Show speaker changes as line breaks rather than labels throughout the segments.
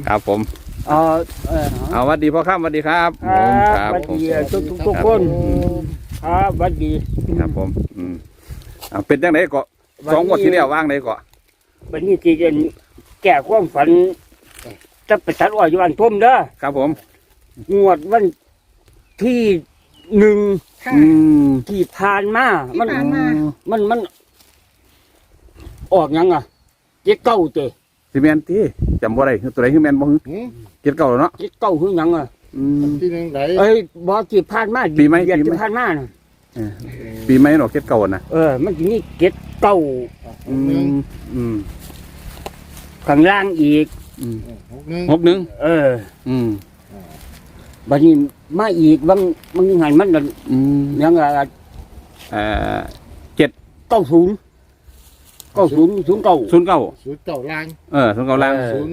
ครับผม เอาวัดดีพ่อข้ามวัดดีครับผมครับ
วัด
ผม
ดีทุกคนครับวัดดี
ครับผมเอาเป็นจังไหนเกาะสองงวดที่แล้วว่างไหนเกาะ
วันนี้ที่จะแก้ความฝันจะไปตัดอ้อยอยู่บ้านทุ่มเด้อ
ครับผม
งวดวันที่1
ค่ะ
ที่ผ่านมา
ที่ผ่านมา
มันออกยังอ่ะเจ็ดเก้าเจ
ซีเมนที่จำบ่ได้ตัวไหนคือแมนบ่ฮึเก็ดเก่าแล้วเนาะ
เจ็ดเก้าคือยังอ่ะ
ที่หนึ่งไหน
เอ้ยบ่ที่ผ่านมา
ปีไหม
เดือน
ปีไหม
ที่ผ่านมาน่ะ
ปีใหม่เนาะเก็ดเก่านะ
มันจะมีเจ็ดเก้า ข้างล่างอีก
61
61
บัดนี้มาอีกบางหันมันนั่นยัง
70
90 09
09
ศูนย์เก่าล่าง
09ล่าง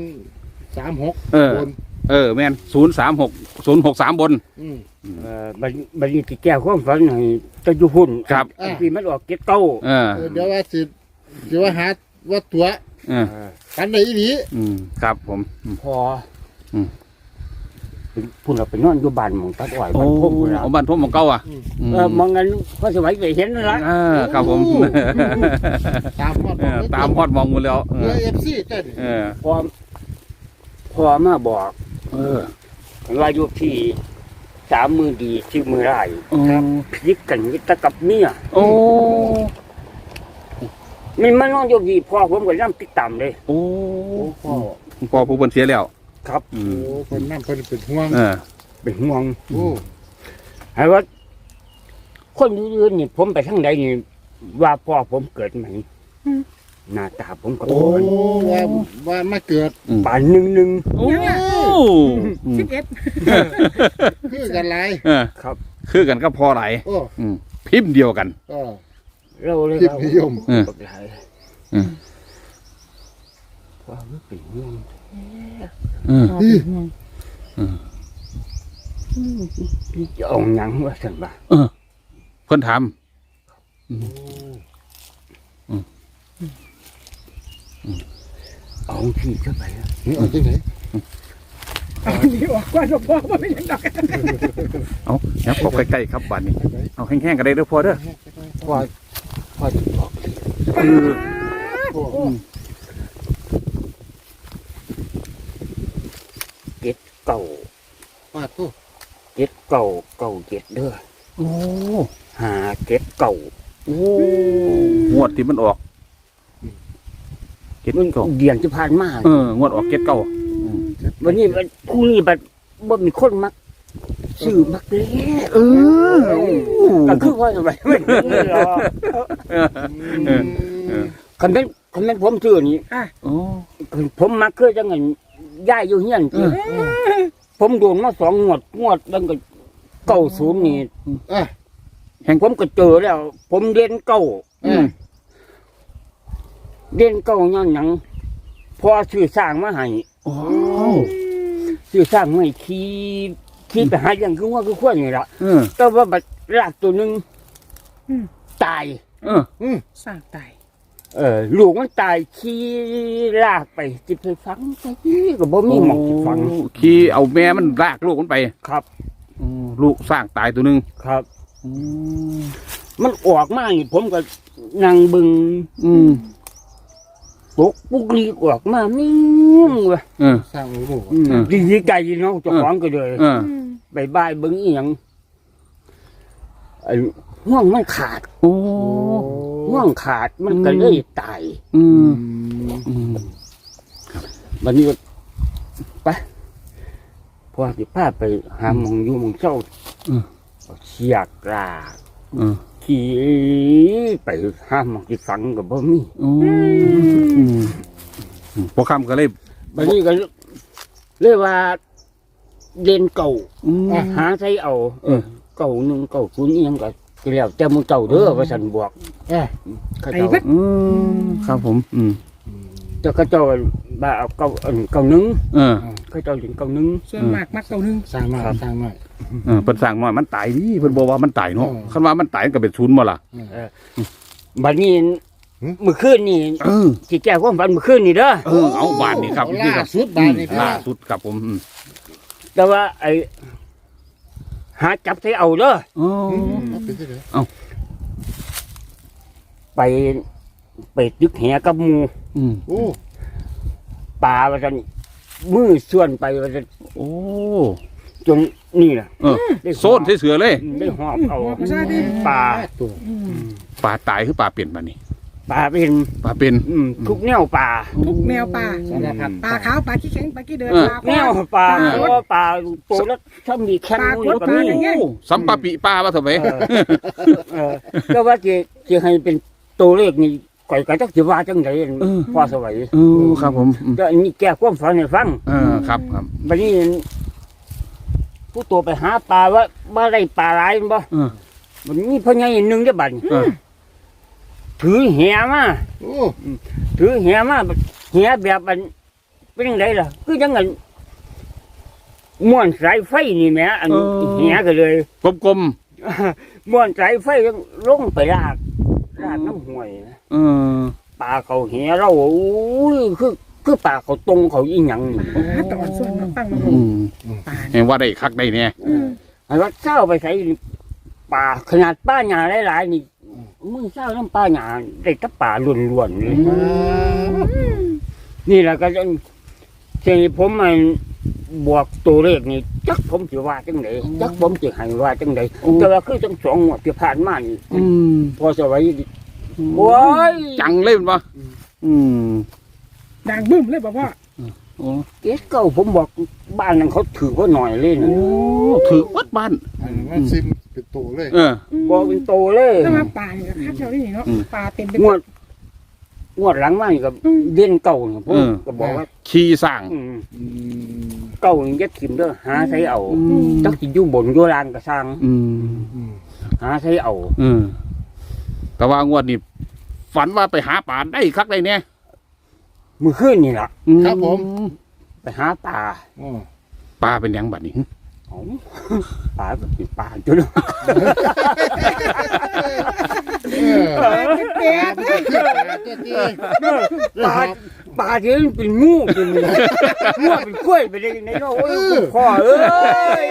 036 บน
แม่น036 063บน
บัดนี้ที่แก้ความฝันให้ตะยุพุ่น
ครับ
ที่มันออกเก็ดเก้า
เดี๋ยวว่าสิเดี๋ยวว่าหาว่าตัวกันไหนอีหลี
ครับผม
พอพุ่นเราไปนอนอยู่บ้านหมองตัดอ้อยบ้านพวกพุ่นละ
บ้านทุ่มของเก่าอ่ะ
มองกันพอสมัยไปเห็นนั่นละ
ครับผม
ตามฮอด
ตามฮอดมองหมดแล้ว
เรือ FC เต้น
พอมาบอกว่าอยู่ที่3 มือดีที่มือร้ายพลิกกันวิตกับเมีย
โอ้
มันนอนอยู่ดีพ่อผมก็นั่งติดตามเลย
โอ้
พ่อ
พ่อผู้เพิ่นเสียแล้ว
ครับ
โอ้คนนั่นคนเป็นห่วง
เป็นห่วง
โอ้
ให้ว่าคนอื่นๆนี่ผมไปทางใดนี่ว่าพ่อผมเกิดใหม่หน้าตาผมก็
โอ้ว่ามาเกิด
ป่านหนึ่ง
โอ้
11
คือกันหลาย
ครับ
คือกันก็พอไหล
โอ้
พิมพ์เดียวกัน
เราเลย
พิมพ์นิยม
กับหลายว่ามันเป็นห่วงจะเอาหยังว่าสันบ่า
เพิ่นถาม
เอาพี่เข้าไป
นี่เอาที่ไหน
เอาดีออกกว่าจะพ่อว่าเป็นยังไง
เอายับกบใกล้ๆครับบ้านนี้เอาแห้งๆกันได้เด้อพ่อเด้อ
พ่อจะบอก
โอ้
เก่า
ป้าตู้
เก่าเด้อ
โอ้
หาเก่า
โอ้งวดที่มันออกเก็ด
มัน
เก่า
เดียนจะผ่านมาง
วดออกเก็ดเก่า
วันนี้มันคู่นี้บัดบ่มีคนมักซื้อมักเลยก็คือว่าทำไมไม่หรอกคันเป็นผมซื้อนี่
โอ้
ผมมักคือจังไงย้ายอยู่เฮียนที่ผมโดนมา2 งวดแล้วก็90นี่ผมก็เจอแล้ว ผมเรียนเก่าย้อนหยังพอซื้อสร้างมาให้
โอ้
ซื้อสร้างมาให้ขี่ไปหาอย่างคือว่าคือควรนี่ล่ะ แต่ว่าบัดรากตัวหนึงตาย
สร้างตาย
ลูกมันตายขี่ลากไปจิไปฝังไปก็บ่มีหมองสิฝัง
ขี่เอาแม่มันลากลูกมันไป
ครับ
ลูกสร้างตายตัวหนึง
ครับ มันออกมานี่ผมก็นั่งเบึงตกปุกลีออกมานิ่งว่ะ
สร้างลูก
ดีใจเนาะเจ้าของก็เลย บายเบึงอีหยังห่วงมันขาด
โอ้
ห่วงขาดมันก็เลยตายวันนี้ก็ไปพอสิพาไปหาหมองอยู่หมองเจ้าเชียกลาขี่ไปหาหมองที่ฝังกับบ่มี
พอคำก็เลย
วันนี้ก็เรียกว่าเรียนเก่าหาใช้เอาเก่า1 เก่า0อีหยังก็แล้วแต่มึงเก่าเด้อว่าฉันบอกเขาเจ้า
ครับผม
เจ้าเขาเจ้าบ่าเอาเก่า1เขาเจ้าถึงเก่า1
ส่วนมากมักเอาหนึ่ง
สร้างมาสร้างมา
เพิ่นสั่งมามันตายดิเพิ่นบอกว่ามันตายเนาะคันว่ามันตายก็เป็นศูนย์บ่ล่ะ
บัดนี้เมื่อคืนนี่
เออ
ที่แก้ความฝันเมื่อคืนนี่เด้อ
เอาบาทนี่ครับ
เอา
นี่
ล่า
ครับ
สุดบาทนี่พี่
ล่า
น้อง
สุดครับผม
แต่ว่าไอ้หาจับใส่เอาเด้อ
อ๋อ
เอาไปที่ไหน
ไปตึกแหกับหมู
อืม
โอ้
ปลาว่าซั่นมือส่วนไปว่าซั่น
โอ้
จนนี่ล่ะ
เออโซนเสือเลย
ได้หอบเอา
หอบซะดิ
ปลา
ตัว
ปลาตายคือปลาเปลี่ยนมานี่
ปลาเป็น
ปลาเป็น
ทุกแนวปลา
ทุกแนวปลา
สารพัด
ปลาขาวปลาขี้แข็งปลาขี้เดินปลา
แนวปลาเพราะว่าปลาโตแล้วถ้ามีแคม
ปลา
นู่นก็มี
ปลาอย่างเงี้ย
สัมปะปิปลาว่าเถอะไหม
ก็ว่าจะให้เป็นตัวเลขนี่ก่อยก็จักสิว่าจังไดพอสวัย
เออครับผม
ก็อันนี้แก้ความฝันให้ฟัง
เออครับครับ
บัดนี้ผู้ตัวไปหาปลาว่าได้ปลาหลายแม่นบ่
เออ
มันมีพ่อใหญ่หนึงเด้อบัดนี้
เออ
ถือแหมา
โอ้
ถือแหมาแหแบบมันเป็นจังไดล่ะคือจังไงม้วนสายไฟนี่แหมอันแหก็เลย
กลม
ม้วนสายไฟลงไปลากน้ำห้วยนะ
ๆเออ
ปลาเขาแหเราโอ้ยคือปลาเขาตรงเขาอีหยังนี่
ตอนส่วนมาฟังมา
อืม
ปลา
เห็นว่าได้คักได้เนี่ย
ไอ้ว่าเช้าไปใส่ปลาขนาดป้าหญ้าหลายๆนี่มึงเช้าน้ำป้าหญ้าได้แตะปลาล้วนๆเลยนี่แหละก็จะที่ผมมันบวกตัวเลขนี่จักผมสิว่าจังไดจักผมสิให้ว่าจังไดแต่ว่าคือทั้งสองงวดที่ผ่านมานี่
อืม
พอสวัยโอ้ย
จังเลยมันปะอืม
ด่างบึ้มเลยบอกว่า
โอ้
เอ๊ะเก่าผมบอกบ้านนั้นเขาถือว่าหน่อยเลยนะ
ถือวัดบ้าน
อันนั้นมันซิมเป็นตัวเลย
เออ
บอกเป็นโตเลย
ถ้ามาปลาเนี่ยก็คัดเท่านี้เนาะปลาเต็มไป
งวดหลังมานี่ก็เด่นเก่าเนี่ยผมก็บอกว่า
ขี่สร้าง
เก่านี่ยัดถิ่มเด้อหาใช้เอาจักสิอยู่บนอยู่ล่างก็สร้าง
อืม
หาใช้เอา
แต่ว่างวดนี้ฝันว่าไปหาป่าได้คักได้เนี่ย
มื้อคืนนี่ล่ะ
ครับผม
ไปหาปลา
อ๋อ
ปลาเป็นหยังบัดนี้
เอ้าปลาก็เป็นปลาจุด
เออ
เปียก
ปลาปลาที่มันเป็นงูเป็นงูเป็นกล้วยไปได้ในโลกโอ้ยพ่อเอ้ย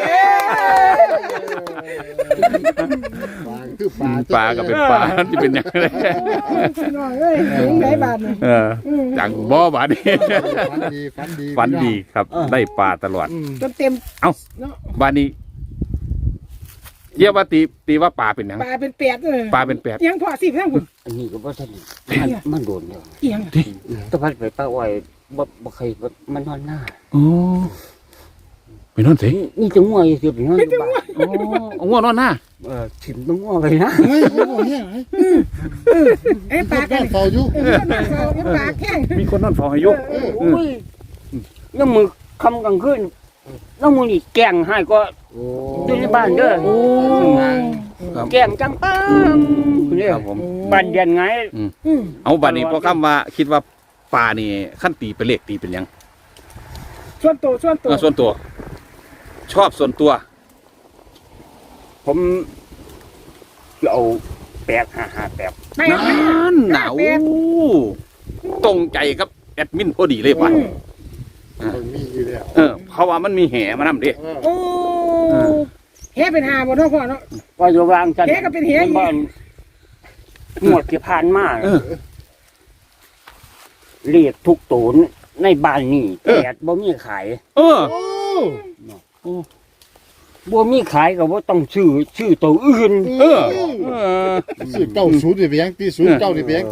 ปลาคือปลา
ปลาก็เป็นปลาที่เป็นหยังไง
พี่น้องเอ้ยถึงไหนบาทนี่
จังบ่บาดนี้
ฝันดีฝันดี
ฝันดีครับ ได้ปลาตลอด
จนเต็ม
บาดนี้เยี่ยว่าตีว่าปลาเป็นหยัง
ปลาเป็นเปียกเลย
ปลาเป็นแปด
ยังพอสิทั้งคุณ
อันนี้ก็บ่ทันมันโดนแล้ว
เอียง
ตะพัดไปป้าอ้อยบ่เคยมันนอนหน้า
โอ้ไปนอนสิ
นี่จะง่วงอยู่สิไปนอนบ้าน
โอ้เอาง่วงนอนหน้า
ถิ่มต้องง่วงไปนะ
เฮ้ยโอ้โหเนี่ยไ
ไอ้ปลา
อ้
กัน
เฝ้าอยู่
ปลาแข้ง
มีคนนอนเฝ้าให้อยุ
โอ้ยแล้วมือคำกลางคืนแล้วมือนี่แกล้งให้ก็
โอ้
อยู่ในบ้านเด้อ
ครับ
แกล้งจังป้าเนี่ย
ครับผม
บ้านเดียนไง
เอาบาดนี้พอคำว่าคิดว่าปลานี่ขั้นตีเป็นเลขตีเป็นหยัง
ส่วนตัว
ส่วนตัว ชอบส่วนตัว
ผมจะเอา8-5-5-8
ไม่
นั่นหนาวตรงใจครับแอดมินพอดีเลยป่ะ
มันมีอยู่แล้ว
เพราะว่ามันมีแห่มานำดิ
โอ้แหเป็นหาบ่เนาะพ่อเนาะ
ว่าจะวางกัน
แกก็เป็นเหี้ย
บ้านหมวดที่ผ่านมาเรียกทุกโตนในบ้านนี่แต่บ่มีขาย
เออ
โอ้
บ่มีขายก็บ่ต้องชื่อตัวอื่น
เออ
ซื้อเก้าศูนย์นี่ไปยังตีศูนย์เก้านี่ไปยังตี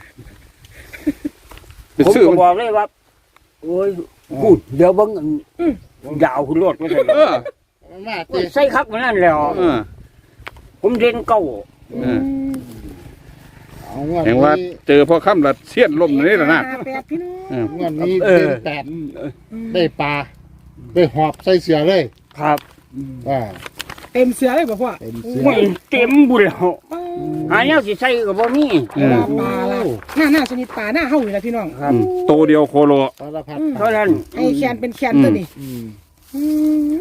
เป็น
ผม
ชื่อ
ก็บอกเลยว่าโอ้ยพูดเดี๋ยวเบิ่งยาวขึ้นรถว่าซั่น
เออ
มาตี
ใส่คักมันนั่นแล้ว
เออ
ผมเรียนเก่า
เอางวด
เห็นว่า
นี้
เจอพ่อค่ำละเสี้ยนลมนี่แหละนะ
แปดพี่น้อง
งวดนี้เป็นแปดได้ปลาได้หอบใส่เสือเลย
ครับ
อ่า
เต็มเสือเลยบ่พ่อ
เป็นเสือ
ไม่เต็มบุญแล้วหาแนวสิใส่ก็บ่มี
ปลาละหน้าชนิดปลาหน้าเฮาอยู่แล้วพี่น้อง
ครับ
โตเดียวโคโล
สารพัด
เท่านั้น
ไอ้แคนเป็นแคนตัวนี้
อืม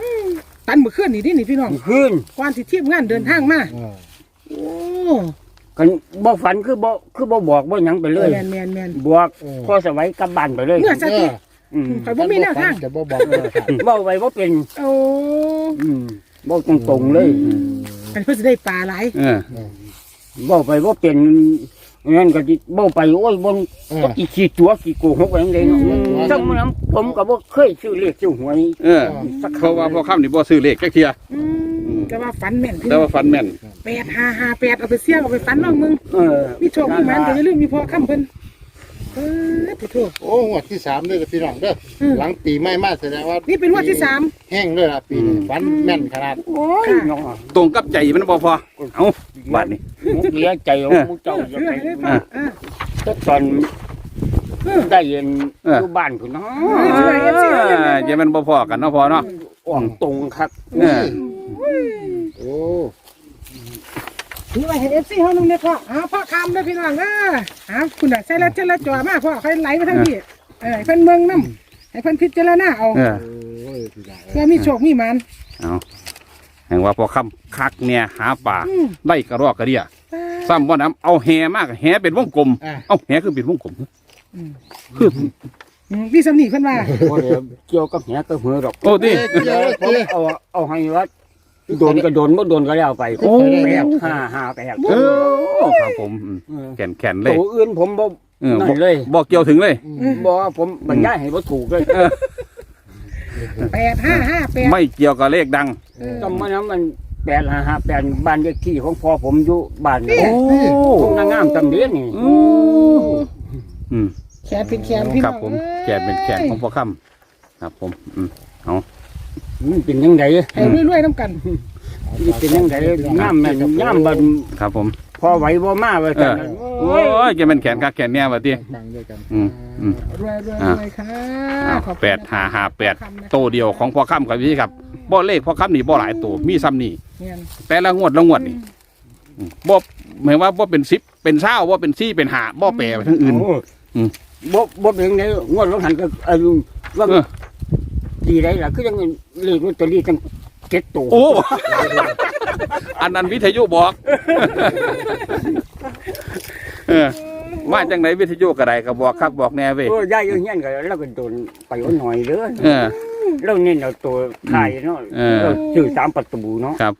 ตันมื้อคืนนี่ดินี่พี่น้อง
คืน
ก่อนสิทีมงานเดินทางมา
อ่า
โอ้
กันบ่ฝันคือบ่บอกบ่หยังไปเลย
แมน
บอกพอสวัยกลับบ้านไปเลย
เมื่อสักที
อืม
ข่อยบ่มีแนวทาง
จะบ่บอกเลยครับ
เว้าไปบ่เป็น
โอ้
เว้าตรงๆเลย
อันเพิ่นสิได้ปลาหลาย
เว้าไปบ่เป็นงั้นก็สิเว้าไปโอ้ยบ่ก็ขี้ตัวขี้โกหกอย่างใดเนาะจังมันผมก็บ่เคยซื้อเลขซื้อหวย
เพราะว่าพอค่ำนี่บ่ซื้อเลขแค่เทีย
แต่ว่าฝันแม่น
แต่ว่าฟันแม่น
8558เอาไปเสี่ยงเอาไปฝันน้องมึงมีโชคมีหมันก็อย่าลืมมีพ่อค้ำเพิ่นผู้โชค
โอ้งวดที่3เด้อพี่น้องเด้อหลังปีใหม่มาแสดงว่า
นี่เป็นงวดที่สาม
แห้งเลยล่ะปีนี้ฝันแม่นขนาด
โอ้ยน้อง
ตรงกับใจมันบ่พอเอ้าบาดนี้
มุกเลียใจของมุกเจ้าจะ
เรื่
ไป
อยเลยพ่อ
ตอนได้เย็นอยู่บ้านพุ่นเนาะ
อย่ามันบ่พอกันเนาะพอเนาะ
อ่องตรงครับ
โอ้
นี่ว่าเห็น FC เฮานึงเนี่ยพ่อพ่อค้ำเด้อพี่น้องคุณน่ะใส่ละเจละจ่อมาพ่อค่อยไหลมาทางพี่ให้เพิ่นเมืองนำให้เพิ่นพิจารณาเอา
โอ้ยพี่น้อง
เพื่อมีโชคมีหมัน
เอาแห่งว่าพอค่ำคักเนี่ยหาป่าได้กระรอกกระเดียซ้ำบ่น้ำเอาแหมากแหเป็นวงกลมเอาแหคือเป็นวงกลมคือ
พี่สำนีเพิ่นว่า
บ่ได้เกี่ยวกับแหกับเหือดอก
โอ้ดิ
เดี๋ยว
ผมเอาให้วัดโดนก็โดนบ่โดนก็แล้วไป
โอ้
8 5
ครับผมแขนเลย
ตัวอื่นผมบ่นั่นเลย
บอกเกี่ยวถึงเลย
บ่ผมบรรยายให้บ่ถูกเลย
8558
ไม่เกี่ยวกับเลขดัง
จำมานั้นมัน8558บ้านเลขที่ของพ่อผมอยู่บ้านนี่
โอ้
ทุ่งนางามตำเดียนี่
อืม
แขนเป็นแขนพี่
ค
น้
รั
อบ ง
ผมแขนเป็นแขนของพ่อค่ำครับผมเอา
มันเป็นยังไง
ให้รวยๆน้ำกัน
มันเป็นยังไงงามแม่นงามบัด
ครับผม
พอไหวบ่มาว่าจังนั้น
โอ้ยจะเป็นแขนคักแขนเนี่ยบัดนี้
ฟังด้วยกัน
รวยๆค่ะขอบคุณ
8558โตเดียวของพ่อค่ำครับพี่ครับบ่เลขพ่อค่ำนี่บ่หลายตัวมีซ้ำนี่
เนี่ย
แต่ละงวดนี่บ่หมายว่าบ่เป็น10เป็น20บ่เป็น4เป็น5บ่แปลไปทั้งอื่น
บ่เป็นยังไงงวดลงหันก็ว่าดีได้ล่ะคือยังเลขลอตเตอรี่ตั้ง7ตัว
โอ้ อันนั้นวิทยุบอกมาจังไหนวิทยุก็ได้ก็บอกครับบอกแน่เว้ย
โอ้ยายอยู่เฮียนก็เราก็โดนไปเอาหน่อยเด้อ
เออ
เราเน้นเอาตัวไทยเนาะ
เออ
เราซื้อ3ประตูเนาะ
ครับ